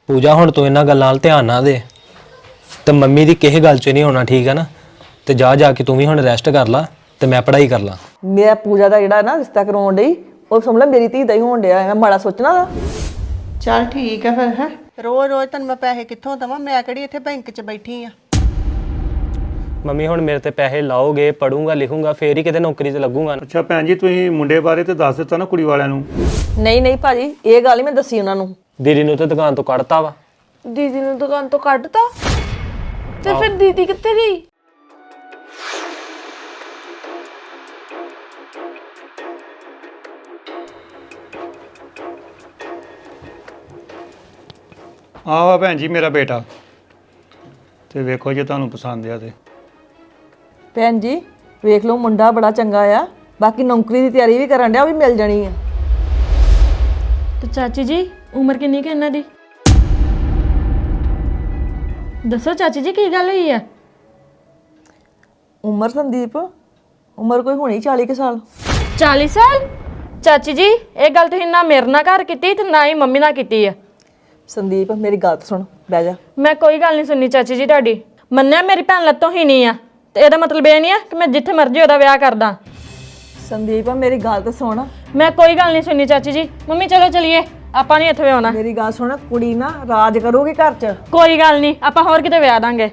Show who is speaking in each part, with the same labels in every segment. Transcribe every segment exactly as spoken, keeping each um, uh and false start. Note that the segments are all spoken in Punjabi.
Speaker 1: पूजा हुण तू इन्हां गल्लां नाल ध्यान ना दे ते मम्मी दी किसी गल च नहीं होना, ठीक है ना। ते जा जाके तू भी हुण रैस्ट कर ला ते मैं पढ़ाई कर ला।
Speaker 2: मेरा पूजा ਦਾ ਜਿਹੜਾ ਨਾ ਰਿਸ਼ਤਾ ਕਰਾਉਣ ਡਈ ਉਹ ਸਮਝ ਲੈ ਮੇਰੀ ਧੀ ਦਾ ਹੀ ਹੋਣ ਡਿਆ। ਮੈਂ ਮਾੜਾ ਸੋਚਣਾ ਦਾ।
Speaker 3: ਚੱਲ ਠੀਕ ਹੈ ਫਿਰ ਹੈ ਰੋਜ਼ ਰੋਜ਼ ਤੈਨੂੰ ਮੈਂ ਪੈਸੇ ਕਿੱਥੋਂ ਦੇਵਾਂ? ਮੈਂ ਕਿਹੜੀ ਇੱਥੇ ਬੈਂਕ 'ਚ ਬੈਠੀ ਆ।
Speaker 1: ਮੰਮੀ ਹੁਣ ਮੇਰੇ ਤੇ ਪੈਸੇ ਲਾਓਗੇ, ਪੜੂੰਗਾ ਲਿਖੂੰਗਾ ਫੇਰ ਹੀ ਕਿਤੇ ਨੌਕਰੀ ਤੇ ਲੱਗੂੰਗਾ।
Speaker 4: ਅੱਛਾ ਭੈਣ ਜੀ, ਤੁਸੀਂ ਮੁੰਡੇ ਬਾਰੇ ਤੇ ਦੱਸ ਦਿੱਤਾ ਨਾ ਕੁੜੀ ਵਾਲਿਆਂ ਨੂੰ?
Speaker 2: ਨਹੀਂ ਨਹੀਂ ਭਾਜੀ, ਇਹ ਗੱਲ ਹੀ ਮੈਂ ਦੱਸੀ ਉਹਨਾਂ ਨੂੰ।
Speaker 1: ਦੀਦੀ ਨੂੰ ਤੇ ਦੁਕਾਨ ਤੋਂ ਕੱਢਤਾ ਵਾ।
Speaker 5: ਦੀਦੀ ਨੂੰ ਦੁਕਾਨ ਤੋਂ ਕੱਢਤਾ ਤੇ ਫਿਰ ਦੀਦੀ ਕਿੱਥੇ ਗਈ?
Speaker 4: ਆਹ ਵਾ ਭੈਣ ਜੀ ਮੇਰਾ ਬੇਟਾ, ਤੇ ਵੇਖੋ ਜੇ ਤੁਹਾਨੂੰ ਪਸੰਦ ਆ ਤੇ।
Speaker 2: ਭੈਣ ਜੀ ਵੇਖ ਲਓ, ਮੁੰਡਾ ਬੜਾ ਚੰਗਾ ਆ। ਬਾਕੀ ਨੌਕਰੀ ਦੀ ਤਿਆਰੀ ਵੀ ਕਰਨ ਡਿਆ, ਉਹ ਵੀ ਮਿਲ ਜਾਣੀ ਆ।
Speaker 5: ਤੇ ਚਾਚੀ ਜੀ ਉਮਰ ਕਿੰਨੀ ਕਿ ਇਹਨਾਂ ਦੀ? ਦੱਸੋ ਚਾਚੀ ਜੀ ਕੀ ਗੱਲ ਹੋਈ ਆ?
Speaker 2: ਉਮਰ ਸੰਦੀਪ, ਉਮਰ ਕੋਈ ਹੋਣੀ ਚਾਲੀ ਕੁ ਸਾਲ।
Speaker 5: ਚਾਲੀ ਸਾਲ? ਚਾਚੀ ਜੀ ਇਹ ਗੱਲ ਤੁਸੀਂ ਨਾ ਮੇਰੇ ਨਾਲ ਘਰ ਕੀਤੀ ਤੇ ਨਾ ਹੀ ਮੰਮੀ ਨਾਲ ਕੀਤੀ ਆ।
Speaker 2: ਸੰਦੀਪ ਮੇਰੀ ਗੱਲ ਸੁਣ, ਬਹਿ ਜਾ।
Speaker 5: ਮੈਂ ਕੋਈ ਗੱਲ ਨਹੀਂ ਸੁਣਨੀ ਚਾਚੀ ਜੀ ਤੁਹਾਡੀ। ਮੰਨਿਆ ਮੇਰੀ ਭੈਣ ਲੱਤੋਂ ਹੀ ਨਹੀਂ ਆ ਤੇ ਇਹਦਾ ਮਤਲਬ ਇਹ ਨਹੀਂ ਆ ਕਿ ਮੈਂ ਜਿੱਥੇ ਮਰਜ਼ੀ ਉਹਦਾ ਵਿਆਹ ਕਰਦਾ।
Speaker 2: ਸੰਦੀਪ ਮੇਰੀ ਗੱਲ ਤਾਂ ਸੁਣ।
Speaker 5: ਮੈਂ ਕੋਈ ਗੱਲ ਨਹੀਂ ਸੁਣਨੀ ਚਾਚੀ ਜੀ। ਮੰਮੀ ਚਲੋ ਚਲੀਏ, ਆਪਾਂ ਨਹੀਂ ਇੱਥੇ ਆਉਣਾ।
Speaker 2: ਮੇਰੀ ਗੱਲ ਸੁਣ, ਕੁੜੀ ਨਾ ਰਾਜ ਕਰੂਗੀ ਘਰ 'ਚ।
Speaker 5: ਕੋਈ ਗੱਲ ਨਹੀਂ, ਆਪਾਂ ਹੋਰ ਕਿਤੇ ਵਿਆਹ ਦਾਂਗੇ।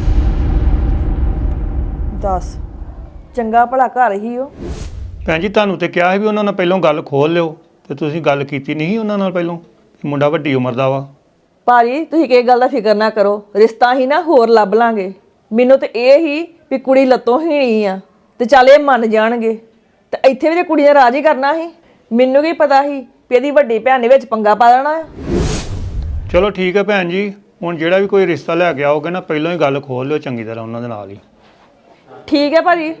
Speaker 2: ਦੱਸ, ਚੰਗਾ ਭਲਾ ਘਰ ਹੀ ਉਹ।
Speaker 4: ਭੈਣ ਜੀ ਤੁਹਾਨੂੰ ਤੇ ਕਿਹਾ ਸੀ ਵੀ ਉਹਨਾਂ ਨਾਲ ਪਹਿਲਾਂ ਗੱਲ ਖੋਲ ਲਿਓ, ਤੇ ਤੁਸੀਂ ਗੱਲ ਕੀਤੀ ਨਹੀਂ ਉਹਨਾਂ ਨਾਲ ਪਹਿਲਾਂ। ਮੁੰਡਾ ਵੱਡੀ ਉਮਰ ਦਾ ਵਾ।
Speaker 2: ਭਾਜੀ ਤੁਸੀਂ ਕਿਸ ਗੱਲ ਦਾ ਫਿਕਰ ਨਾ ਕਰੋ, ਰਿਸ਼ਤਾ ਹੀ ਨਾ ਹੋਰ ਲੱਭ ਲਾਂਗੇ। ਮੈਨੂੰ ਤੇ ਇਹ ਹੀ ਵੀ ਕੁੜੀ ਲੱਤੋਂ ਹੀ ਨਹੀਂ ਆ ਤੇ ਚੱਲ ਇਹ ਮੰਨ ਜਾਣਗੇ। ਤੇ ਇੱਥੇ ਵੀ ਤੇ ਕੁੜੀ ਨੇ ਰਾਜ ਹੀ ਕਰਨਾ ਸੀ। ਮੈਨੂੰ ਕੀ ਪਤਾ ਸੀ ਵੀ ਇਹਦੀ ਵੱਡੀ ਭੈਣ ਨੇ ਵਿੱਚ ਪੰਗਾ ਪਾ ਦੇਣਾ ਆ।
Speaker 4: ਚਲੋ ਠੀਕ ਹੈ ਭੈਣ ਜੀ, ਹੁਣ ਜਿਹੜਾ ਵੀ ਕੋਈ ਰਿਸ਼ਤਾ ਲੈ ਕੇ ਆਓਗੇ ਨਾ ਪਹਿਲਾਂ ਹੀ ਗੱਲ ਖੋਲ ਲਿਓ ਚੰਗੀ ਤਰ੍ਹਾਂ ਉਹਨਾਂ ਦੇ ਨਾਲ ਹੀ।
Speaker 2: ਠੀਕ ਹੈ ਭਾਜੀ।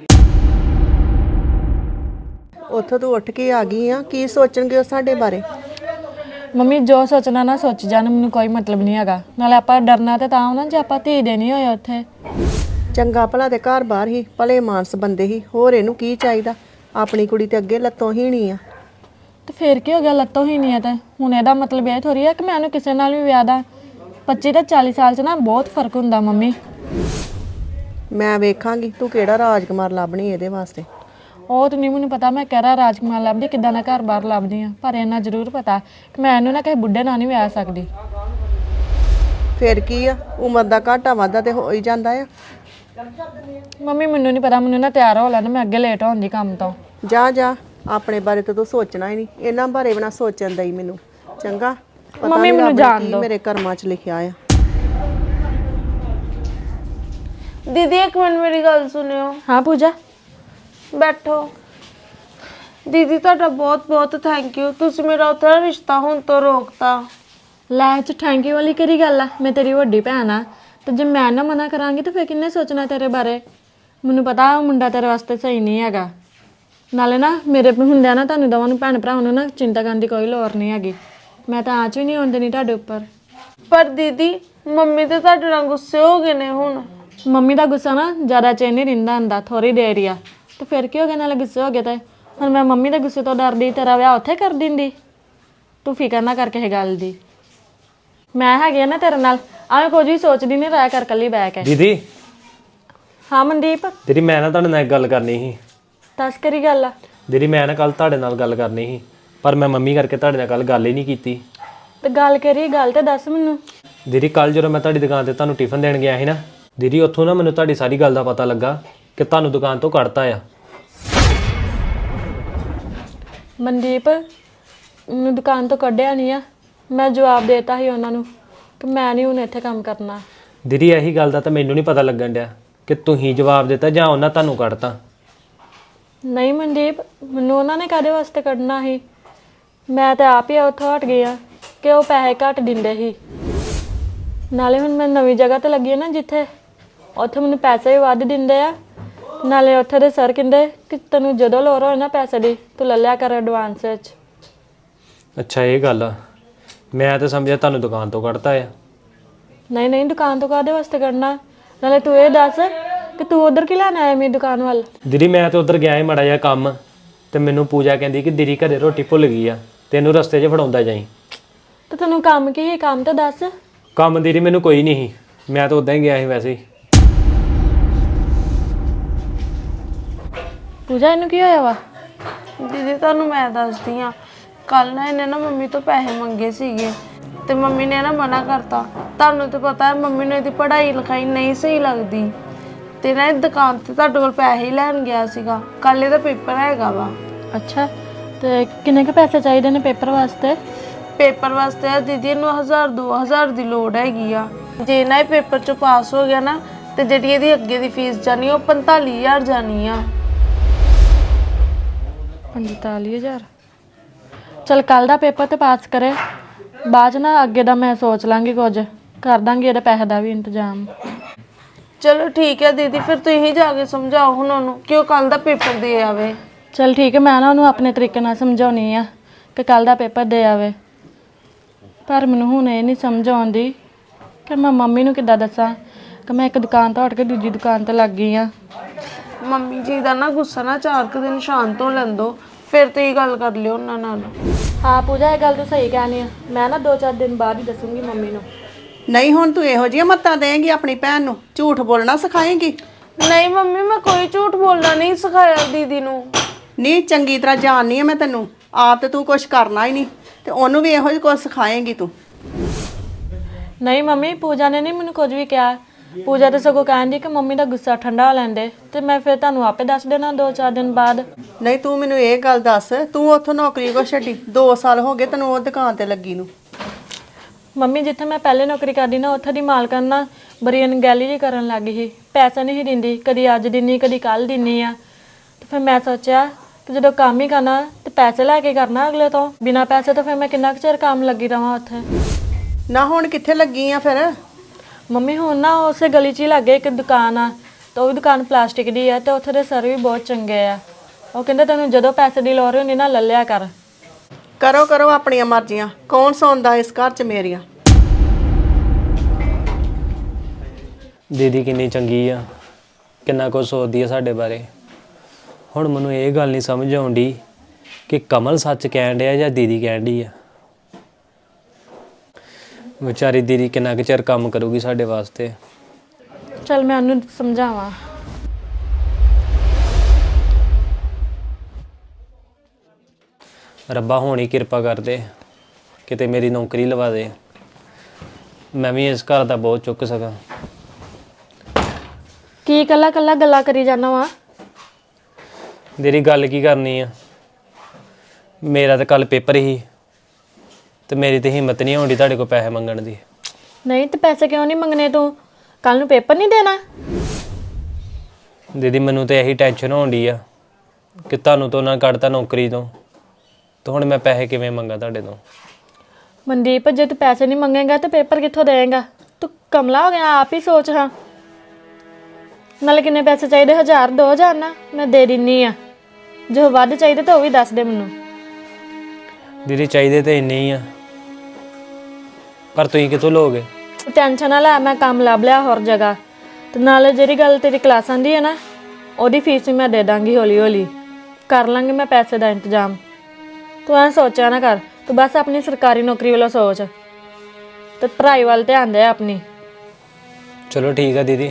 Speaker 3: ਉੱਥੋਂ ਤੂੰ ਉੱਠ ਕੇ ਆ ਗਈ ਆ, ਕੀ ਸੋਚਣਗੇ ਉਹ ਸਾਡੇ ਬਾਰੇ?
Speaker 5: ਮੰਮੀ ਜੋ ਸੋਚਣਾ ਨਾ ਸੋਚ ਜਾਣ, ਮੈਨੂੰ ਕੋਈ ਮਤਲਬ ਨਹੀਂ ਹੈਗਾ। ਨਾਲੇ ਆਪਾਂ ਡਰਨਾ ਤੇ ਤਾਂ ਨਾ ਜੇ ਆਪਾਂ ਧੀ ਦੇਣੀ ਹੋਏ ਉੱਥੇ।
Speaker 3: ਚੰਗਾ ਭਲਾ ਤੇ ਘਰ ਬਾਹਰ ਹੀ ਭਲੇ ਮਾਨਸ ਬੰਦੇ ਹੀ, ਹੋਰ ਇਹਨੂੰ ਕੀ ਚਾਹੀਦਾ? ਆਪਣੀ ਕੁੜੀ ਤੇ ਅੱਗੇ ਲੱਤੋਂ ਹੀ ਨਹੀਂ ਆ।
Speaker 5: ਤੇ ਫੇਰ ਕੀ ਹੋ ਗਿਆ, ਲੱਤੋਂ ਹੀ ਨਹੀਂ ਆ ਤੇ ਹੁਣ ਇਹਦਾ ਮਤਲਬ ਇਹ ਥੋੜੀ ਆ ਕਿ ਮੈਂ ਉਹਨੂੰ ਕਿਸੇ ਨਾਲ ਵੀ ਵਿਆਹ ਦਾਂ। ਪੱਚੀ ਤੇ ਚਾਲੀ ਸਾਲ 'ਚ ਨਾ ਬਹੁਤ ਫਰਕ ਹੁੰਦਾ ਮੰਮੀ।
Speaker 3: ਮੈਂ ਵੇਖਾਂਗੀ ਤੂੰ ਕਿਹੜਾ ਰਾਜਕੁਮਾਰ ਲੱਭਣੀ ਇਹਦੇ ਵਾਸਤੇ।
Speaker 5: ਉਹ ਤਾਂ ਨਹੀਂ ਮੈਨੂੰ ਪਤਾ ਮੈਂ ਕਿਹੜਾ ਰਾਜਕੁਮਾਰ ਲੱਭਦੀ, ਕਿੱਦਾਂ ਦਾ ਘਰ ਬਾਹਰ ਲੱਭਦੀ ਆ, ਪਰ ਇੰਨਾ ਜ਼ਰੂਰ ਪਤਾ ਕਿ ਮੈਂ ਇਹਨੂੰ ਨਾ ਕਿਸੇ ਬੁੱਢੇ ਨਾਲ ਨਹੀਂ ਵਿਆਹ ਸਕਦੀ।
Speaker 3: ਫਿਰ ਕੀ ਆ, ਉਮਰ ਦਾ ਘਾਟਾ ਵਾਧਾ ਤੇ ਹੋ ਹੀ ਜਾਂਦਾ ਆ।
Speaker 5: ਮੰਮੀ ਮੈਨੂੰ ਨਹੀਂ ਪਤਾ, ਮੈਨੂੰ ਨਾ ਤਿਆਰ ਹੋ ਲੈਣਾ, ਮੈਂ ਅੱਗੇ ਲੇਟ ਹੋਣ ਕੰਮ ਤੋਂ।
Speaker 3: ਜਾ ਜਾ, ਆਪਣੇ ਬਾਰੇ ਤਾਂ ਤੂੰ ਸੋਚਣਾ ਹੀ ਨਹੀਂ, ਇਹਨਾਂ ਬਾਰੇ ਵੀ ਨਾ ਸੋਚਣ ਦਈ ਮੈਨੂੰ। ਚੰਗਾ ਪਤਾ
Speaker 5: ਮੰਮੀ
Speaker 3: ਨੀ
Speaker 5: ਮੈਨੂੰ
Speaker 3: ਰੱਬ ਨੇ
Speaker 5: ਜਾਣ
Speaker 3: ਕੀ
Speaker 5: ਦਿਓ।
Speaker 3: ਮੇਰੇ ਕਰਮਾਂ 'ਚ ਲਿਖਿਆ ਆ।
Speaker 6: दीदी एक मिनट मेरी गल सुनियो।
Speaker 5: ਹਾਂ ਪੂਜਾ
Speaker 6: बैठो। दीदी ਤੁਹਾਡਾ ਬਹੁਤ ਬਹੁਤ ਥੈਂਕ ਯੂ, ਤੁਸੀਂ ਮੇਰਾ ਉੱਥੇ ਰਿਸ਼ਤਾ ਹੁਣ ਤੋਂ ਰੋਕਤਾ।
Speaker 5: ਲੈ ਚ ਥੈਂਕ ਯੂ ਵਾਲੀ ਕਿਹੜੀ ਗੱਲ ਆ? ਮੈਂ ਤੇਰੀ ਵੱਡੀ ਭੈਣ ਆ ਤੇ ਜੇ ਮੈਂ ਨਾ ਮਨਾ ਕਰਾਂਗੀ ਤਾਂ ਫਿਰ ਕਿੰਨੇ ਸੋਚਣਾ ਤੇਰੇ ਬਾਰੇ? ਮੈਨੂੰ ਪਤਾ ਉਹ ਮੁੰਡਾ ਤੇਰੇ ਵਾਸਤੇ ਸਹੀ ਨਹੀਂ ਹੈਗਾ। ਨਾਲੇ ਨਾ ਮੇਰੇ ਹੁੰਦਿਆਂ ਨਾ ਤੁਹਾਨੂੰ ਦੋਵਾਂ ਨੂੰ ਭੈਣ ਭਰਾਵਾਂ ਨੂੰ ਨਾ ਚਿੰਤਾ ਕਰਨ ਦੀ ਕੋਈ ਲੋੜ ਨਹੀਂ ਹੈਗੀ। ਮੈਂ ਤਾਂ ਆਂਚ ਵੀ ਨਹੀਂ ਆਉਣ ਦੇਣੀ ਤੁਹਾਡੇ ਉੱਪਰ।
Speaker 6: ਪਰ ਦੀਦੀ ਮੰਮੀ ਤੇ ਤੁਹਾਡੇ ਨਾਲ ਗੁੱਸੇ ਹੋ ਗਏ ਨੇ ਹੁਣ।
Speaker 5: ਮੰਮੀ ਦਾ ਗੁੱਸਾ ਨਾ ਜ਼ਿਆਦਾ ਚਿਰ ਨਹੀਂ ਰਹਿੰਦਾ ਹੁੰਦਾ, ਥੋੜੀ ਦੇਰ ਹੀ ਆ। ਤੇ ਫਿਰ ਕੀ ਹੋ ਗਿਆ, ਨਾਲੇ ਗੁੱਸੇ ਹੋ ਗਏ ਤੇ ਹੁਣ ਮੈਂ ਮੰਮੀ ਦੇ ਗੁੱਸੇ ਤੋਂ ਡਰਦੀ ਤੇਰਾ ਵਿਆਹ ਉੱਥੇ ਕਰ ਦਿੰਦੀ। ਤੂੰ ਫਿਕਰ ਨਾ ਕਰ ਕਿਸੇ ਗੱਲ ਦੀ, ਮੈਂ ਹੈਗੀ ਆ ਨਾ ਤੇਰੇ ਨਾਲ। ਆਵੇਂ ਕੁਝ ਵੀ ਸੋਚਦੀ ਨਹੀਂ ਰਹਿ ਕਰ ਕੱਲੀ ਬਹਿ ਕੇ।
Speaker 1: ਦੀਦੀ
Speaker 5: ਹਾਂ ਮਨਦੀਪ
Speaker 1: ਦੀਦੀ ਮੈਂ ਨਾ ਤੁਹਾਡੇ ਨਾਲ ਇੱਕ ਗੱਲ ਕਰਨੀ ਸੀ।
Speaker 5: ਦੱਸ ਕਰੀ ਗੱਲ ਆ।
Speaker 1: ਦੀਦੀ ਮੈਂ ਨਾ ਕੱਲ ਤੁਹਾਡੇ ਨਾਲ ਗੱਲ ਕਰਨੀ ਸੀ, ਪਰ ਮੈਂ ਮੰਮੀ ਕਰਕੇ ਤੁਹਾਡੇ ਨਾਲ ਕੱਲ ਗੱਲ ਹੀ ਨਹੀਂ ਕੀਤੀ।
Speaker 5: ਤੇ ਗੱਲ ਕਰੀ, ਗੱਲ ਤੇ ਦੱਸ ਮੈਨੂੰ।
Speaker 1: ਦੀਦੀ ਕੱਲ ਜਦੋਂ ਮੈਂ ਤੁਹਾਡੀ ਦੁਕਾਨ ਤੇ ਤੁਹਾਨੂੰ ਟਿਫਨ ਦੇਣ ਗਿਆ ਸੀ ਨਾ ਦੀਦੀ, ਉੱਥੋਂ ਨਾ ਮੈਨੂੰ ਤੁਹਾਡੀ ਸਾਰੀ ਗੱਲ ਦਾ ਪਤਾ ਲੱਗਾ ਕਿ ਤੁਹਾਨੂੰ ਦੁਕਾਨ ਤੋਂ ਕੱਢਤਾ ਆ।
Speaker 5: ਮਨਦੀਪ ਮੈਨੂੰ ਦੁਕਾਨ ਤੋਂ ਕੱਢਿਆ ਨਹੀਂ ਆ, ਮੈਂ ਜਵਾਬ ਦੇਤਾ ਸੀ ਉਹਨਾਂ ਨੂੰ ਕਿ ਮੈਂ ਨਹੀਂ ਹੁਣ ਇੱਥੇ ਕੰਮ ਕਰਨਾ।
Speaker 1: ਦੀਦੀ ਇਹੀ ਗੱਲ ਦਾ ਤਾਂ ਮੈਨੂੰ ਨਹੀਂ ਪਤਾ ਲੱਗਣ ਡਿਆ ਕਿ ਤੁਸੀਂ ਜਵਾਬ ਦਿੱਤਾ ਜਾਂ ਉਹਨਾਂ ਤੁਹਾਨੂੰ ਕੱਢਤਾ।
Speaker 5: ਨਹੀਂ ਮਨਦੀਪ, ਮੈਨੂੰ ਉਹਨਾਂ ਨੇ ਕਾਹਦੇ ਵਾਸਤੇ ਕੱਢਣਾ ਸੀ? ਮੈਂ ਤਾਂ ਆਪ ਹੀ ਉੱਥੋਂ ਹਟ ਗਈ ਆ ਕਿ ਉਹ ਪੈਸੇ ਘੱਟ ਦਿੰਦੇ ਸੀ। ਨਾਲੇ ਹੁਣ ਮੈਂ ਨਵੀਂ ਜਗ੍ਹਾ ਤੇ ਲੱਗੀ ਆ ਨਾ ਜਿੱਥੇ, ਉੱਥੇ ਮੈਨੂੰ ਪੈਸੇ ਵੀ ਵੱਧ ਦਿੰਦੇ ਆ। ਨਾਲੇ ਉੱਥੇ ਦੇ ਸਰ ਕਹਿੰਦੇ ਕਿ ਤੈਨੂੰ ਜਦੋਂ ਲੋੜ ਹੋਏ ਨਾ ਪੈਸੇ ਦੀ ਤੂੰ ਲੈ ਲਿਆ ਕਰ ਐਡਵਾਂਸ ਵਿੱਚ।
Speaker 1: ਅੱਛਾ ਇਹ ਗੱਲ ਆ, ਮੈਂ ਤਾਂ ਸਮਝਿਆ ਤੁਹਾਨੂੰ ਦੁਕਾਨ ਤੋਂ ਕੱਢਤਾ ਆ।
Speaker 5: ਨਹੀਂ ਨਹੀਂ, ਦੁਕਾਨ ਤੋਂ ਕਾਹਦੇ ਵਾਸਤੇ ਕੱਢਣਾ? ਨਾਲੇ ਤੂੰ ਇਹ ਦੱਸ ਕਿ ਤੂੰ ਉਧਰ ਕੀ ਲੈਣ ਆਇਆ ਮੇਰੀ ਦੁਕਾਨ ਵੱਲ?
Speaker 1: ਦੀਦੀ ਮੈਂ ਤਾਂ ਉੱਧਰ ਗਿਆ ਸੀ ਮਾੜਾ ਜਿਹਾ ਕੰਮ, ਤੇ ਮੈਨੂੰ ਪੂਜਾ ਕਹਿੰਦੀ ਕਿ ਦੀਦੀ ਘਰੇ ਰੋਟੀ ਭੁੱਲ ਗਈ ਆ, ਤੈਨੂੰ ਰਸਤੇ 'ਚ ਫੜਾਉਂਦਾ ਜਾਈ।
Speaker 5: ਤੇ ਤੈਨੂੰ ਕੰਮ ਕੀ ਹੈ? ਕੰਮ ਤਾਂ ਦੱਸ।
Speaker 1: ਕੰਮ ਦੀਦੀ ਮੈਨੂੰ ਕੋਈ ਨਹੀਂ ਸੀ, ਮੈਂ ਤਾਂ ਉਦਾਂ ਹੀ ਗਿਆ ਸੀ ਵੈਸੇ ਹੀ।
Speaker 5: ਪੂਜਾ ਇਹਨੂੰ ਕੀ ਹੋਇਆ ਵਾ?
Speaker 6: ਦੀਦੀ ਤੁਹਾਨੂੰ ਮੈਂ ਦੱਸਦੀ ਆ, ਕੱਲ ਨਾ ਇਹਨੇ ਨਾ ਮੰਮੀ ਤੋਂ ਪੈਸੇ ਮੰਗੇ ਸੀਗੇ ਤੇ ਮੰਮੀ ਨੇ ਨਾ ਮਨਾ ਕਰਤਾ। ਤੁਹਾਨੂੰ ਤਾਂ ਪਤਾ ਹੈ ਮੰਮੀ ਨੂੰ ਇਹਦੀ ਪੜ੍ਹਾਈ ਲਿਖਾਈ ਨਹੀਂ ਸਹੀ ਲੱਗਦੀ, ਤੇ ਨਾ ਇਹ ਦੁਕਾਨ ਤੇ ਤੁਹਾਡੇ ਕੋਲ ਪੈਸੇ ਹੀ ਲੈਣ ਗਿਆ ਸੀਗਾ। ਕੱਲ ਇਹਦਾ ਪੇਪਰ ਹੈਗਾ ਵਾ।
Speaker 5: ਅੱਛਾ, ਤੇ ਕਿੰਨੇ ਕੁ ਪੈਸੇ ਚਾਹੀਦੇ ਨੇ ਪੇਪਰ ਵਾਸਤੇ?
Speaker 6: ਪੇਪਰ ਵਾਸਤੇ ਆ ਦੀਦੀ ਇਹਨੂੰ ਹਜ਼ਾਰ ਦੋ ਹਜ਼ਾਰ ਦੀ ਲੋੜ ਹੈਗੀ ਆ। ਜੇ ਨਾ ਇਹ ਪੇਪਰ ਚੋਂ ਪਾਸ ਹੋ ਗਿਆ ਨਾ ਤੇ ਜਿਹੜੀ ਇਹਦੀ ਅੱਗੇ ਦੀ ਫੀਸ ਜਾਣੀ ਉਹ ਪੰਤਾਲੀ ਹਜ਼ਾਰ ਜਾਣੀ ਆ।
Speaker 5: ਪੰਤਾਲੀ ਹਜ਼ਾਰ? ਚਲ ਕੱਲ ਦਾ ਪੇਪਰ ਤੇ ਪਾਸ ਕਰੇ, ਬਾਅਦ 'ਚ ਨਾ ਅੱਗੇ ਦਾ ਮੈਂ ਸੋਚ ਲਾਂਗੀ, ਕੁਝ ਕਰ ਦਾਂਗੀ ਇਹਦੇ ਪੈਸੇ ਦਾ ਵੀ ਇੰਤਜ਼ਾਮ।
Speaker 6: ਚਲੋ ਠੀਕ ਹੈ ਦੀਦੀ, ਫਿਰ ਤੁਸੀਂ ਜਾ ਕੇ ਸਮਝਾਓ ਹੁਣ ਉਹਨੂੰ ਕਿ ਉਹ ਕੱਲ ਦਾ ਪੇਪਰ ਦੇ ਆਵੇ।
Speaker 5: ਚਲ ਠੀਕ ਹੈ, ਮੈਂ ਨਾ ਉਹਨੂੰ ਆਪਣੇ ਤਰੀਕੇ ਨਾਲ ਸਮਝਾਉਣੀ ਆ ਕਿ ਕੱਲ ਦਾ ਪੇਪਰ ਦੇ ਆਵੇ। ਪਰ ਮੈਨੂੰ ਹੁਣ ਇਹ ਨਹੀਂ ਸਮਝ ਆਉਂਦੀ ਕਿ ਮੈਂ ਮੰਮੀ ਨੂੰ ਕਿੱਦਾਂ ਦੱਸਾਂ ਕਿ ਮੈਂ ਇੱਕ ਦੁਕਾਨ ਤੋਂ ਹਟ ਕੇ ਦੂਜੀ ਦੁਕਾਨ ਤੇ ਲੱਗ ਗਈ ਆ।
Speaker 6: ਮੰਮੀ ਜੀ ਦਾ ਨਾ ਗੁੱਸਾ ਨਾ ਚਾਰ ਕੁ ਦਿਨ ਸ਼ਾਂਤ ਹੋ ਲੈਂਦੋ, ਫਿਰ ਤੁਸੀਂ ਗੱਲ ਕਰ ਲਿਓ ਉਹਨਾਂ ਨਾਲ।
Speaker 5: ਹਾਂ ਪੂਜਾ, ਇਹ ਗੱਲ ਤੂੰ ਸਹੀ ਕਹਿਣੀ ਆ। ਮੈਂ ਨਾ ਦੋ ਚਾਰ ਦਿਨ ਬਾਅਦ ਹੀ ਦੱਸੂਗੀ ਮੰਮੀ ਨੂੰ।
Speaker 3: ਨਹੀਂ ਹੁਣ ਤੂੰ ਇਹੋ ਜਿਹੀਆਂ ਮੱਤਾਂ ਦੇਂਗੀ ਆਪਣੀ ਭੈਣ ਨੂੰ, ਝੂਠ ਬੋਲਣਾ ਸਿਖਾਏਂਗੀ।
Speaker 6: ਨਹੀਂ ਮੰਮੀ, ਮੈਂ ਕੋਈ ਝੂਠ ਬੋਲਣਾ ਨਹੀਂ ਸਿਖਾਇਆ ਦੀਦੀ ਨੂੰ।
Speaker 3: ਨਹੀਂ ਚੰਗੀ ਤਰ੍ਹਾਂ ਜਾਣਨੀ ਆ ਮੈਂ ਤੈਨੂੰ, ਆਪ ਤੇ ਤੂੰ ਕੁਝ ਕਰਨਾ ਹੀ ਨਹੀਂ ਤੇ ਉਹਨੂੰ ਵੀ ਇਹੋ ਜਿਹਾ ਕੁਝ ਸਿਖਾਏਂਗੀ ਤੂੰ।
Speaker 5: ਨਹੀਂ ਮੰਮੀ, ਪੂਜਾ ਨੇ ਨਹੀਂ ਮੈਨੂੰ ਕੁਝ ਵੀ ਕਿਹਾ। ਪੂਜਾ ਤਾਂ ਸਗੋਂ ਕਹਿੰਦੀ ਕਿ ਮੰਮੀ ਦਾ ਗੁੱਸਾ ਠੰਡਾ ਹੋ ਲੈਂਦੇ ਤੇ ਮੈਂ ਫਿਰ ਤੁਹਾਨੂੰ ਆਪੇ ਦੱਸ ਦੇਣਾ ਦੋ ਚਾਰ ਦਿਨ ਬਾਅਦ।
Speaker 3: ਨਹੀਂ ਤੂੰ ਮੈਨੂੰ ਇਹ ਗੱਲ ਦੱਸ, ਤੂੰ ਉੱਥੋਂ ਨੌਕਰੀ ਕੋ ਛੱਡੀ? ਦੋ ਸਾਲ ਹੋ ਗਏ ਤੈਨੂੰ ਉਹ ਦੁਕਾਨ ਤੇ ਲੱਗੀ ਨੂੰ।
Speaker 5: ਮੰਮੀ ਜਿੱਥੇ ਮੈਂ ਪਹਿਲੇ ਨੌਕਰੀ ਕਰਦੀ ਨਾ, ਉੱਥੇ ਦੀ ਮਾਲਕਣ ਨਾ ਬੜੀ ਅਣਗਹਿਲੀ ਜਿਹੀ ਕਰਨ ਲੱਗ ਗਈ ਸੀ। ਪੈਸਾ ਨਹੀਂ ਸੀ ਦਿੰਦੀ, ਕਦੀ ਅੱਜ ਦਿੰਨੀ ਕਦੀ ਕੱਲ ਦਿੰਨੀ ਆ। ਤੇ ਫਿਰ ਮੈਂ ਸੋਚਿਆ ਕਿ ਜਦੋਂ ਕੰਮ ਹੀ ਕਰਨਾ ਤੇ ਪੈਸੇ ਲੈ ਕੇ ਕਰਨਾ ਅਗਲੇ ਤੋਂ, ਬਿਨਾਂ ਪੈਸੇ ਤੋਂ ਫਿਰ ਮੈਂ ਕਿੰਨਾ ਕੁ ਚਿਰ ਕੰਮ ਲੱਗੀ ਰਵਾਂ ਉੱਥੇ।
Speaker 3: ਨਾ ਹੁਣ ਕਿੱਥੇ ਲੱਗੀ ਆ ਫਿਰ?
Speaker 5: ਮੰਮੀ ਹੁਣ ਨਾ ਉਸੇ ਗਲੀ 'ਚ ਹੀ ਲੱਗੇ ਇੱਕ ਦੁਕਾਨ ਆ, ਤੇ ਉਹ ਵੀ ਦੁਕਾਨ ਪਲਾਸਟਿਕ ਦੀ ਆ, ਤੇ ਉੱਥੇ ਦੇ ਸਰ ਵੀ ਬਹੁਤ ਚੰਗੇ ਆ। ਉਹ ਕਹਿੰਦੇ ਤੈਨੂੰ ਜਦੋਂ ਪੈਸੇ ਦੀ ਲੋੜ ਹੁੰਦੀ ਨਾ ਲੈ ਲਿਆ ਕਰ।
Speaker 3: ਕਰੋ ਕਰੋ ਆਪਣੀਆਂ ਮਰਜ਼ੀਆਂ, ਕੌਣ ਸੌਂਦਾ ਇਸ ਘਰ 'ਚ ਮੇਰੀਆਂ।
Speaker 1: ਦੀਦੀ ਕਿੰਨੀ ਚੰਗੀ ਆ, ਕਿੰਨਾ ਕੁਝ ਸੋਚਦੀ ਆ ਸਾਡੇ ਬਾਰੇ। ਹੁਣ ਮੈਨੂੰ ਇਹ ਗੱਲ ਨਹੀਂ ਸਮਝ ਆਉਂਦੀ ਕਿ ਕਮਲ ਸੱਚ ਕਹਿਣ ਡਿਆ ਜਾਂ ਦੀਦੀ ਕਹਿਣ ਡਈ ਆ। ਵਿਚਾਰੀ ਦੀਦੀ ਕਿੰਨਾ ਕੁ ਚਿਰ ਕੰਮ ਕਰੂਗੀ ਸਾਡੇ ਵਾਸਤੇ।
Speaker 5: ਚਲ ਮੈਂ ਉਹਨੂੰ ਸਮਝਾਵਾਂ।
Speaker 1: ਰੱਬਾ ਹੁਣ ਹੀ ਕਿਰਪਾ ਕਰ ਦੇ, ਕਿਤੇ ਮੇਰੀ ਨੌਕਰੀ ਲਵਾ ਦੇ, ਮੈਂ ਵੀ ਇਸ ਘਰ ਦਾ ਬੋਝ ਚੁੱਕ ਸਕਾਂ।
Speaker 5: ਕੀ ਇਕੱਲਾ ਇਕੱਲਾ ਗੱਲਾਂ ਕਰੀ ਜਾਣਾ ਵਾ?
Speaker 1: ਦੀਦੀ ਗੱਲ ਕੀ ਕਰਨੀ ਆ, ਮੇਰਾ ਤਾਂ ਕੱਲ ਪੇਪਰ ਹੀ ਤੇ ਮੇਰੀ ਤੇ ਹਿੰਮਤ ਨਹੀਂ ਹੋਣੀ ਤੁਹਾਡੇ ਕੋਲ ਪੈਸੇ ਮੰਗਣ ਦੀ।
Speaker 5: ਨਹੀਂ ਤੇ ਪੈਸੇ ਕਿਉਂ ਨਹੀਂ ਮੰਗਣੇ? ਤੂੰ ਕੱਲ ਨੂੰ ਪੇਪਰ ਨਹੀਂ ਦੇਣਾ?
Speaker 1: ਦੀਦੀ ਮੈਨੂੰ ਤੇ ਇਹੀ ਟੈਨਸ਼ਨ ਹੋਣ ਡਈ ਆ ਕਿ ਤੁਹਾਨੂੰ ਤੋਂ ਨਾ ਕੱਢਤਾ ਨੌਕਰੀ ਤੋਂ, ਤੇ ਹੁਣ ਮੈਂ ਪੈਸੇ ਕਿਵੇਂ ਮੰਗਾ ਤੁਹਾਡੇ ਤੋਂ?
Speaker 5: ਮਨਦੀਪ, ਜੇ ਤੂੰ ਪੈਸੇ ਨਹੀਂ ਮੰਗੇਗਾ ਤੇ ਪੇਪਰ ਕਿੱਥੋਂ ਦੇਏਗਾ? ਤੂੰ ਕਮਲਾ ਹੋ ਗਿਆ, ਆਪ ਹੀ ਸੋਚ। ਹਾਂ ਨਾਲੇ ਕਿੰਨੇ ਪੈਸੇ ਚਾਹੀਦੇ? ਹਜ਼ਾਰ ਦੋ ਹਜ਼ਾਰ ਨਾ ਮੈਂ ਦੇ ਦਿੰਨੀ ਆ। ਜੋ ਵੱਧ ਚਾਹੀਦੇ ਤਾਂ ਉਹ ਵੀ ਦੱਸ ਦੇ ਮੈਨੂੰ।
Speaker 1: ਦੀਦੀ ਚਾਹੀਦੇ ਤੇ ਇੰਨੇ ਹੀ ਆ, ਪਰ ਤੁਸੀਂ ਕਿੱਥੋਂ ਲਓਗੇ?
Speaker 5: ਟੈਨਸ਼ਨ ਨਾ ਲੈ, ਮੈਂ ਕੰਮ ਲੱਭ ਲਿਆ ਹੋਰ ਜਗ੍ਹਾ। ਤੇ ਨਾਲੇ ਜਿਹੜੀ ਗੱਲ ਤੇਰੀ ਕਲਾਸਾਂ ਦੀ ਹੈ ਨਾ, ਉਹਦੀ ਫੀਸ ਵੀ ਮੈਂ ਦੇ ਦਾਂਗੀ ਹੌਲੀ ਹੌਲੀ। ਕਰ ਲਾਂਗੀ ਮੈਂ ਪੈਸੇ ਦਾ ਇੰਤਜ਼ਾਮ। ਤੂੰ ਐਂ ਸੋਚਿਆ ਨਾ ਕਰ, ਤੂੰ ਬਸ ਆਪਣੀ ਸਰਕਾਰੀ ਨੌਕਰੀ ਵੱਲੋਂ ਸੋਚ ਤੇ ਪੜ੍ਹਾਈ ਵੱਲ ਧਿਆਨ ਦੇ ਆਪਣੀ।
Speaker 1: ਚਲੋ ਠੀਕ ਆ ਦੀਦੀ।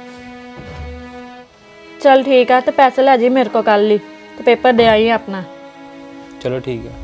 Speaker 5: ਚੱਲ ਠੀਕ ਆ, ਤੇ ਪੈਸੇ ਲੈ ਜੀ ਮੇਰੇ ਕੋਲ ਕੱਲ ਹੀ, ਤੇ ਪੇਪਰ ਦੇ ਆਈ ਆਪਣਾ।
Speaker 1: ਚਲੋ ਠੀਕ ਆ।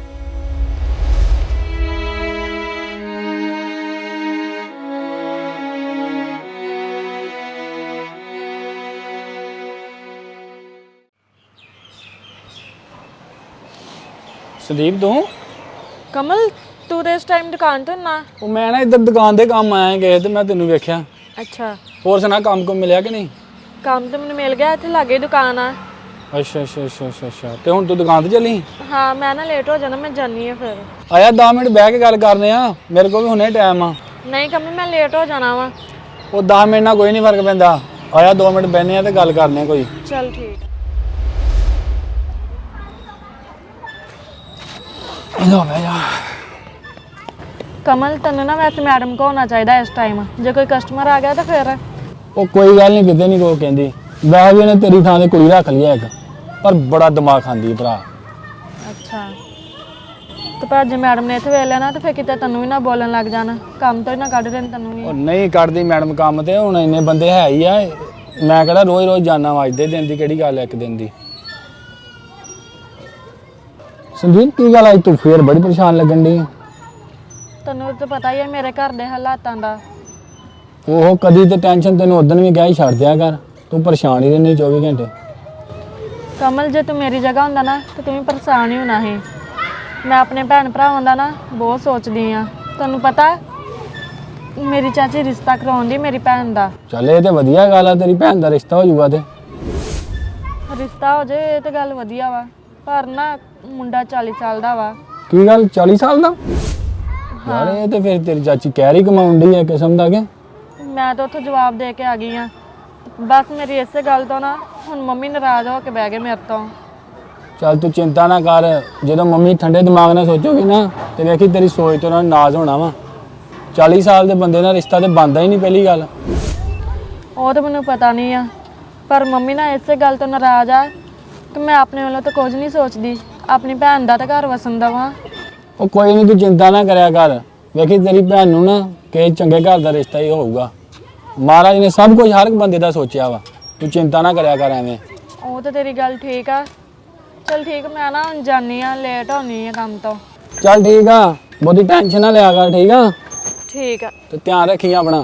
Speaker 7: ਸੰਦੀਪ ਤੂੰ?
Speaker 5: ਕਮਲ, ਤੂੰ ਤੇ ਇਸ ਟਾਈਮ ਦੁਕਾਨ ਤੇ ਨਾ?
Speaker 7: ਉਹ ਮੈਂ ਨਾ ਇੱਧਰ ਦੁਕਾਨ ਦੇ ਕੰਮ ਆਇਆ ਗਏ ਤੇ ਮੈਂ ਤੈਨੂੰ ਵੇਖਿਆ।
Speaker 5: ਅੱਛਾ,
Speaker 7: ਹੋਰ ਸੁਣਾ, ਕੰਮ ਕੋ ਮਿਲਿਆ ਕਿ ਨਹੀਂ?
Speaker 5: ਕੰਮ ਤੇ ਮੈਨੂੰ ਮਿਲ ਗਿਆ, ਇੱਥੇ ਲਾਗੇ ਦੁਕਾਨ ਆ।
Speaker 7: ਅੱਛਾ ਅੱਛਾ ਅੱਛਾ ਅੱਛਾ ਅੱਛਾ ਤੇ ਹੁਣ ਤੂੰ ਦੁਕਾਨ ਤੇ ਚੱਲੀ?
Speaker 5: ਹਾਂ ਮੈਂ ਨਾ ਲੇਟ ਹੋ ਜਾਣਾ, ਮੈਂ ਜਾਨੀ ਆ ਫਿਰ।
Speaker 7: ਆਇਆ ਦਸ ਮਿੰਟ ਬਹਿ ਕੇ ਗੱਲ ਕਰਨੇ ਆ, ਮੇਰੇ ਕੋਲ ਵੀ ਹੁਣੇ ਟਾਈਮ ਆ।
Speaker 5: ਨਹੀਂ ਕਮਲ, ਮੈਂ ਲੇਟ ਹੋ ਜਾਣਾ ਵਾ।
Speaker 7: ਉਹ ਦਸ ਮਿੰਟ ਨਾਲ ਕੋਈ ਨਹੀਂ ਫਰਕ ਪੈਂਦਾ। ਆਇਆ ਦੋ ਮਿੰਟ ਬਹਿਨੇ ਆ ਤੇ ਗੱਲ ਕਰਨੇ ਆ ਕੋਈ।
Speaker 5: ਚੱਲ ਠੀਕ।
Speaker 7: ਇਹਦਾ ਬਹਿ ਜਾ।
Speaker 5: ਕਮਲ, ਤੈਨੂੰ ਨਾ ਵੈਸੇ ਮੈਡਮ ਕੋ ਹੋਣਾ ਚਾਹੀਦਾ ਇਸ ਟਾਈਮ। ਜੇ ਕੋਈ ਕਸਟਮਰ ਆ ਗਿਆ ਤਾਂ ਫਿਰ?
Speaker 7: ਉਹ ਕੋਈ ਗੱਲ ਨਹੀਂ, ਕਿਤੇ ਨਹੀਂ ਕੋਈ ਕਹਿੰਦੀ। ਵੈਸੇ ਵੀ ਇਹਨੇ ਤੇਰੀ ਥਾਂ ਤੇ ਕੁੜੀ ਰੱਖ ਲਈ ਇੱਕ, ਪਰ ਬੜਾ ਦਿਮਾਗ ਖਾਂਦੀ ਭਰਾ।
Speaker 5: ਅੱਛਾ, ਤੇ ਪਰ ਜੇ ਮੈਡਮ ਨੇ ਇੱਥੇ ਵੇਖ ਲਿਆ ਨਾ ਤੇ ਫਿਰ ਕਿਤੇ ਤੈਨੂੰ ਵੀ ਨਾ ਬੋਲਣ ਲੱਗ ਜਾਣ, ਕੰਮ ਤੋਂ ਹੀ ਨਾ ਕੱਢ ਦੇਣ ਤੈਨੂੰ ਵੀ।
Speaker 7: ਉਹ ਨਹੀਂ ਕੱਢਦੀ ਮੈਡਮ ਕੰਮ ਤੇ, ਹੁਣ ਇੰਨੇ ਬੰਦੇ ਹੈ ਹੀ ਆ, ਮੈਂ ਕਿਹੜਾ ਰੋਜ਼ ਰੋਜ਼ ਜਾਣਾ ਵਾ, ਅੱਜ ਦੇ ਦਿਨ ਦੀ ਕਿਹੜੀ ਗੱਲ ਹੈ ਇੱਕ ਦਿਨ ਦੀ। ਸੰਦੀਪ ਕੀ ਗੱਲ ਅੱਜ ਤੂੰ ਫੇਰ ਬੜੀ ਪਰੇਸ਼ਾਨ ਲੱਗਣ ਡਈ ਆ?
Speaker 5: ਤੈਨੂੰ ਤਾਂ ਪਤਾ ਹੀ ਹੈ ਮੇਰੇ ਘਰ ਦੇ ਹਾਲਾਤਾਂ ਦਾ।
Speaker 7: ਉਹ ਕਦੀ ਤੇ ਟੈਨਸ਼ਨ ਤੈਨੂੰ ਉਦੋਂ ਵੀ ਕਿਹਾ ਹੀ ਛੱਡ ਦਿਆ ਕਰ, ਤੂੰ ਪਰੇਸ਼ਾਨ ਹੀ ਰਹਿੰਦੀ ਚੌਵੀ ਘੰਟੇ।
Speaker 5: ਕਮਲ ਜੇ ਤੂੰ ਮੇਰੀ ਜਗ੍ਹਾ ਹੁੰਦਾ ਨਾ ਤੇ ਤੂੰ ਵੀ ਪਰੇਸ਼ਾਨ ਹੀ ਹੋਣਾ ਸੀ। ਮੈਂ ਆਪਣੇ ਭੈਣ ਭਰਾਵਾਂ ਦਾ ਨਾ ਬਹੁਤ ਸੋਚਦੀ ਆ। ਤੁਹਾਨੂੰ ਪਤਾ ਮੇਰੀ ਚਾਚੀ ਰਿਸ਼ਤਾ ਕਰਾਉਣ ਦੀ ਮੇਰੀ ਭੈਣ ਦਾ।
Speaker 7: ਚੱਲ ਇਹ ਤੇ ਵਧੀਆ ਗੱਲ ਆ, ਤੇਰੀ ਭੈਣ ਦਾ ਰਿਸ਼ਤਾ ਹੋ ਜਾਊਗਾ ਤੇ।
Speaker 5: ਰਿਸ਼ਤਾ ਹੋ ਜਾਏ ਇਹ ਤੇ ਗੱਲ ਵਧੀਆ ਵਾ, ਪਰ ਨਾ ਮੁੰਡਾ ਚਾਲੀ ਸਾਲ ਦਾ ਵਾ।
Speaker 7: ਕੀ ਗੱਲ ਚਾਲੀ ਸਾਲ ਦਾ? ਯਾਰ ਇਹ ਤੇ ਫਿਰ ਤੇਰੀ ਚਾਚੀ ਕਹਿ ਰਹੀ ਕਮਾਉਣ ਡਈ ਆ ਕਿਸਮ ਦਾ ਕਿ।
Speaker 5: ਮੈਂ ਤਾਂ ਉੱਥੋਂ ਜਵਾਬ ਦੇ ਕੇ ਆ ਗਈ ਆ। ਬਸ ਮੇਰੀ ਇਸੇ ਗੱਲ ਤੋਂ ਨਾ ਹੁਣ ਮੰਮੀ ਨਾਰਾਜ਼ ਹੋ ਕੇ ਬਹਿ ਗਏ ਮੇਰੇ ਤੋਂ।
Speaker 7: ਚੱਲ ਤੂੰ ਚਿੰਤਾ ਨਾ ਕਰ, ਜਦੋਂ ਮੰਮੀ ਠੰਡੇ ਦਿਮਾਗ ਨਾਲ ਸੋਚੋਗੀ ਨਾ ਤੇ ਵੇਖੀ ਤੇਰੀ ਸੋਚ ਤੋਂ ਉਹਨਾਂ ਨੂੰ ਨਾਜ਼ ਹੋਣਾ ਵਾ। ਚਾਲੀ ਸਾਲ ਦੇ ਬੰਦੇ ਨਾਲ ਰਿਸ਼ਤਾ ਤੇ ਬਣਦਾ ਹੀ ਨਹੀਂ ਪਹਿਲੀ ਗੱਲ।
Speaker 5: ਉਹ ਤਾਂ ਮੈਨੂੰ ਪਤਾ ਨਹੀਂ ਆ, ਪਰ ਮੰਮੀ ਨਾ ਇਸੇ ਗੱਲ ਤੋਂ ਨਾਰਾਜ਼ ਆ ਕਿ ਮੈਂ ਆਪਣੇ ਵੱਲੋਂ ਤਾਂ ਕੁਝ ਨਹੀਂ ਸੋਚਦੀ, ਆਪਣੀ ਭੈਣ ਦਾ ਤਾਂ ਘਰ ਵਸਣ ਦੇਵਾਂ।
Speaker 7: ਉਹ ਕੋਈ ਨਹੀਂ ਤੂੰ ਚਿੰਤਾ ਨਾ ਕਰਿਆ ਕਰ, ਵੇਖੀ ਤੇਰੀ ਭੈਣ ਨੂੰ ਨਾ ਕਿਸੇ ਚੰਗੇ ਘਰ ਦਾ ਰਿਸ਼ਤਾ ਹੀ ਹੋਊਗਾ। ਮਹਾਰਾਜ ਨੇ ਸਭ ਕੁਝ ਹਰ ਇੱਕ ਬੰਦੇ ਦਾ ਸੋਚਿਆ ਵਾ, ਤੂੰ ਚਿੰਤਾ ਨਾ ਕਰਿਆ ਕਰ ਐਵੇਂ।
Speaker 5: ਉਹ ਤਾਂ ਤੇਰੀ ਗੱਲ ਠੀਕ ਆ। ਚਲ ਠੀਕ, ਮੈਂ ਨਾ ਹੁਣ ਜਾਨੀ ਆ, ਲੇਟ ਹੋਣੀ ਆ ਕੰਮ ਤੋਂ।
Speaker 7: ਚੱਲ ਠੀਕ ਆ, ਬਹੁਤੀ ਟੈਨਸ਼ਨ ਨਾ ਲਿਆ ਕਰ, ਠੀਕ ਆ?
Speaker 5: ਠੀਕ ਆ।
Speaker 7: ਤੇ ਧਿਆਨ ਰੱਖੀ ਆਪਣਾ।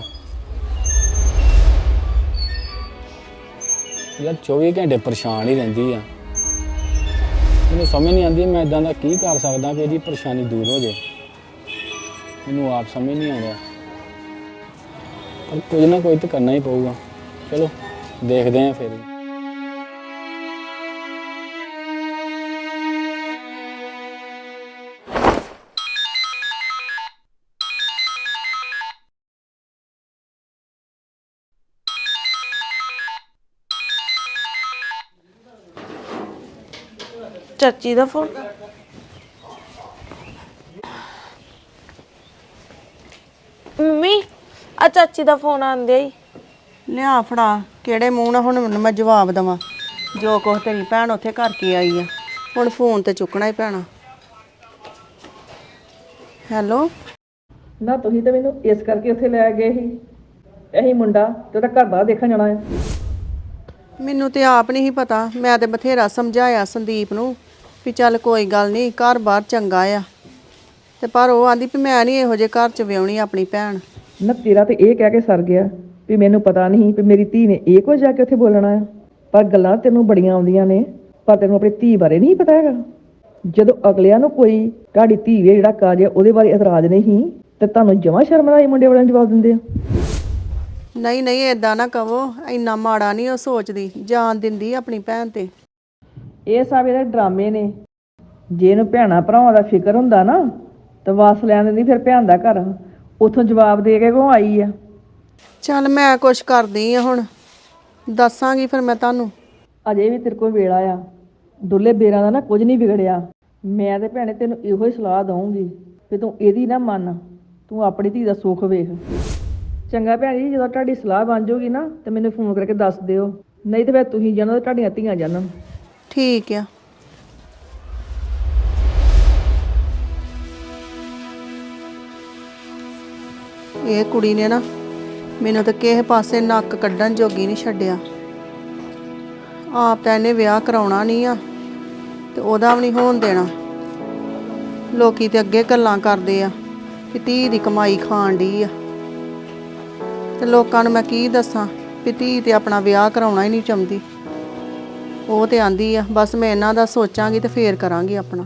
Speaker 7: ਯਾਰ ਚੌਵੀ ਘੰਟੇ ਪਰੇਸ਼ਾਨ ਹੀ ਰਹਿੰਦੀ ਆ, ਮੈਨੂੰ ਸਮਝ ਨਹੀਂ ਆਉਂਦੀ ਮੈਂ ਇਦਾਂ ਦਾ ਕੀ ਕਰ ਸਕਦਾ ਕਿ ਇਹਦੀ ਪਰੇਸ਼ਾਨੀ ਦੂਰ ਹੋ ਜਾਏ। ਮੈਨੂੰ ਆਪ ਸਮਝ ਨਹੀਂ ਆਉਂਦਾ, ਪਰ ਕੁਝ ਨਾ ਕੁਝ ਤਾਂ ਕਰਨਾ ਹੀ ਪਊਗਾ। ਚਲੋ ਦੇਖਦੇ ਹਾਂ ਫਿਰ।
Speaker 6: ਚਾਚੀ ਦਾ ਫੋਨ। ਮੰਮੀ ਆ ਚਾਚੀ ਦਾ ਫੋਨ ਆਂਦੇ ਹੀ।
Speaker 3: ਲਿਆ ਫੜਾ, ਕਿਹੜੇ ਮੂੰਹ ਨਾਲ ਹੁਣ ਮੈਨੂੰ ਮੈਂ ਜਵਾਬ ਦੇਵਾਂ? ਜੋ ਕੁਛ ਤੇਰੀ ਭੈਣ ਉੱਥੇ ਕਰਕੇ ਆਈ ਆ, ਹੁਣ ਫੋਨ ਤੇ ਚੁੱਕਣਾ ਹੀ ਪੈਣਾ। ਹੈਲੋ।
Speaker 2: ਨਾ ਤੁਸੀਂ ਤਾਂ ਮੈਨੂੰ ਇਸ ਕਰਕੇ ਉੱਥੇ ਲੈ ਗਏ ਸੀ, ਇਹੀ ਮੁੰਡਾ ਤੇ ਉਹਦਾ ਘਰ ਬਾਹਰ ਦੇਖਣ ਜਾਣਾ ਹੈ।
Speaker 3: ਮੈਨੂੰ ਤੇ ਆਪ ਨਹੀਂ ਸੀ ਪਤਾ, ਮੈਂ ਤੇ ਬਥੇਰਾ ਸਮਝਾਇਆ ਸੰਦੀਪ ਨੂੰ ਵੀ ਚੱਲ ਕੋਈ ਗੱਲ ਨਹੀਂ, ਘਰ ਬਾਹਰ ਚੰਗਾ ਆ, ਤੇ ਪਰ ਉਹ ਆਂਦੀ ਵੀ ਮੈਂ ਨਹੀਂ ਇਹੋ ਜਿਹੇ ਘਰ 'ਚ ਵਿਆਹੁਣੀ ਆਪਣੀ ਭੈਣ।
Speaker 2: ਨਾ ਤੇਰਾ ਤੇ ਇਹ ਕਹਿ ਕੇ ਸਰ ਗਿਆ ਵੀ ਮੈਨੂੰ ਪਤਾ ਨਹੀਂ ਵੀ ਮੇਰੀ ਧੀ ਨੇ ਇਹ ਕੁਝ ਜਾ ਕੇ ਉੱਥੇ ਬੋਲਣਾ ਆ, ਪਰ ਗੱਲਾਂ ਤੈਨੂੰ ਬੜੀਆਂ ਆਉਂਦੀਆਂ ਨੇ, ਪਰ ਤੈਨੂੰ ਆਪਣੀ ਧੀ ਬਾਰੇ ਨਹੀਂ ਪਤਾ ਹੈਗਾ। ਜਦੋਂ ਅਗਲਿਆਂ ਨੂੰ ਕੋਈ ਤੁਹਾਡੀ ਧੀ ਵੇ ਜਿਹੜਾ ਕਾਜ ਹੈ ਉਹਦੇ ਬਾਰੇ ਇਤਰਾਜ਼ ਨਹੀਂ ਤੇ ਤੁਹਾਨੂੰ ਜਮਾਂ ਸ਼ਰਮ ਆਈ ਮੁੰਡੇ ਵਾਲਿਆਂ ਨੂੰ ਜਵਾਬ ਦਿੰਦੇ ਆ।
Speaker 3: ਨਹੀਂ ਨਹੀਂ ਏਦਾਂ ਨਾ ਕਹੋ, ਇੰਨਾ ਮਾੜਾ ਨਹੀਂ ਉਹ ਸੋਚਦੀ, ਜਾਨ ਦਿੰਦੀ ਆਪਣੀ ਭੈਣ ਤੇ।
Speaker 2: ਇਹ ਸਭ ਇਹਦੇ ਡਰਾਮੇ ਨੇ। ਜੇ ਇਹਨੂੰ ਭੈਣਾਂ ਭਰਾਵਾਂ ਦਾ ਫਿਕਰ ਹੁੰਦਾ ਨਾ ਤਾਂ ਵਾਸ ਲੈਣ ਦਿੰਦੀ ਫਿਰ ਭੈਣ ਦਾ ਘਰ, ਉੱਥੋਂ ਜਵਾਬ ਦੇ ਕੇ ਕਿਉਂ ਆਈ ਆ।
Speaker 3: ਚੱਲ ਮੈਂ ਕੁਛ ਕਰਦੀ ਆ, ਹੁਣ ਦੱਸਾਂਗੀ ਫਿਰ ਮੈਂ ਤੁਹਾਨੂੰ।
Speaker 2: ਅਜੇ ਵੀ ਤੇਰੇ ਕੋਲ ਵੇਲਾ ਆ, ਦੁੱਲੇ ਬੇਰਾਂ ਦਾ ਨਾ ਕੁਝ ਨਹੀਂ ਵਿਗੜਿਆ। ਮੈਂ ਤੇ ਭੈਣੇ ਤੈਨੂੰ ਇਹੋ ਹੀ ਸਲਾਹ ਦਊਂਗੀ ਕਿ ਤੂੰ ਇਹਦੀ ਨਾ ਮੰਨ, ਤੂੰ ਆਪਣੀ ਧੀ ਦਾ ਸੁੱਖ ਵੇਖ। ਚੰਗਾ ਭੈਣ ਜੀ, ਜਦੋਂ ਤੁਹਾਡੀ ਸਲਾਹ ਬਣ ਜਾਊਗੀ ਨਾ ਤੇ ਮੈਨੂੰ ਫੋਨ ਕਰਕੇ ਦੱਸ ਦਿਓ, ਨਹੀਂ ਤੇ ਫਿਰ ਤੁਸੀਂ ਜਾਣੋ ਤੇ ਤੁਹਾਡੀਆਂ ਧੀਆਂ ਜਾਣਨ।
Speaker 3: ਠੀਕ ਆ। ਇਹ ਕੁੜੀ ਨੇ ਨਾ ਮੈਨੂੰ ਤਾਂ ਕਿਸੇ ਪਾਸੇ ਨੱਕ ਕੱਢਣ ਜੋਗੀ ਨਹੀਂ ਛੱਡਿਆ। ਆਪ ਤਾਂ ਇਹਨੇ ਵਿਆਹ ਕਰਾਉਣਾ ਨਹੀਂ ਆ ਤੇ ਉਹਦਾ ਵੀ ਨਹੀਂ ਹੋਣ ਦੇਣਾ। ਲੋਕੀ ਤੇ ਅੱਗੇ ਗੱਲਾਂ ਕਰਦੇ ਆ ਕਿ ਧੀ ਦੀ ਕਮਾਈ ਖਾਣ ਡਈ ਆ, ਤੇ ਲੋਕਾਂ ਨੂੰ ਮੈਂ ਕੀ ਦੱਸਾਂ ਵੀ ਧੀ ਤੇ ਆਪਣਾ ਵਿਆਹ ਕਰਾਉਣਾ ਹੀ ਨਹੀਂ ਚਾਹੁੰਦੀ। ਉਹ ਤੇ ਆਂਦੀ ਆ ਬਸ ਮੈਂ ਇਹਨਾਂ ਦਾ ਸੋਚਾਂਗੀ ਤੇ ਫੇਰ ਕਰਾਂਗੀ ਆਪਣਾ।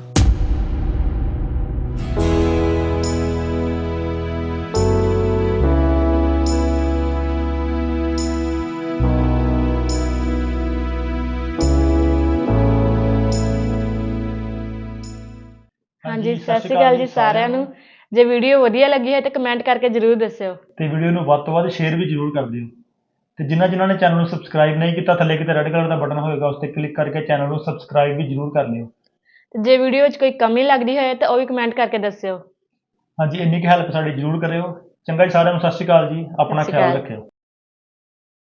Speaker 5: ਹਾਂਜੀ, ਸਤਿ ਸ਼੍ਰੀ ਅਕਾਲ ਜੀ ਸਾਰਿਆਂ ਨੂੰ। ਜੇ ਵੀਡੀਓ ਵਧੀਆ ਲੱਗੀ ਹੈ ਤਾਂ ਕਮੈਂਟ ਕਰਕੇ ਜ਼ਰੂਰ ਦੱਸਿਓ
Speaker 8: ਤੇ ਵੀਡੀਓ ਨੂੰ ਵੱਧ ਤੋਂ ਵੱਧ ਸ਼ੇਅਰ ਵੀ ਜ਼ਰੂਰ ਕਰ ਦਿਓ। ਤੇ ਜਿਨ੍ਹਾਂ ਜਿਨ੍ਹਾਂ ਨੇ ਚੈਨਲ ਨੂੰ ਸਬਸਕ੍ਰਾਈਬ ਨਹੀਂ ਕੀਤਾ, ਥੱਲੇ ਕਿਤੇ ਰੈੱਡ ਕਲਰ ਦਾ ਬਟਨ ਹੋਏਗਾ, ਉਸ ਤੇ ਕਲਿੱਕ ਕਰਕੇ ਚੈਨਲ ਨੂੰ ਸਬਸਕ੍ਰਾਈਬ ਵੀ ਜ਼ਰੂਰ ਕਰ ਲਿਓ।
Speaker 5: ਤੇ ਜੇ ਵੀਡੀਓ ਵਿੱਚ ਕੋਈ ਕਮੀ ਲੱਗਦੀ ਹੋਏ ਤਾਂ ਉਹ ਵੀ ਕਮੈਂਟ ਕਰਕੇ ਦੱਸਿਓ।
Speaker 8: ਹਾਂਜੀ, ਇੰਨੀ ਕੁ ਹੈਲਪ ਸਾਡੀ ਜ਼ਰੂਰ ਕਰਿਓ। ਚੰਗਾ ਜੀ, ਸਾਰਿਆਂ ਨੂੰ ਸਤਿ ਸ਼੍ਰੀ ਅਕਾਲ ਜੀ, ਆਪਣਾ
Speaker 5: ਸਤਿ ਸ਼੍ਰੀ
Speaker 8: ਖਿਆਲ
Speaker 5: ਅਕਾਲ।
Speaker 8: ਰੱਖਿਓ।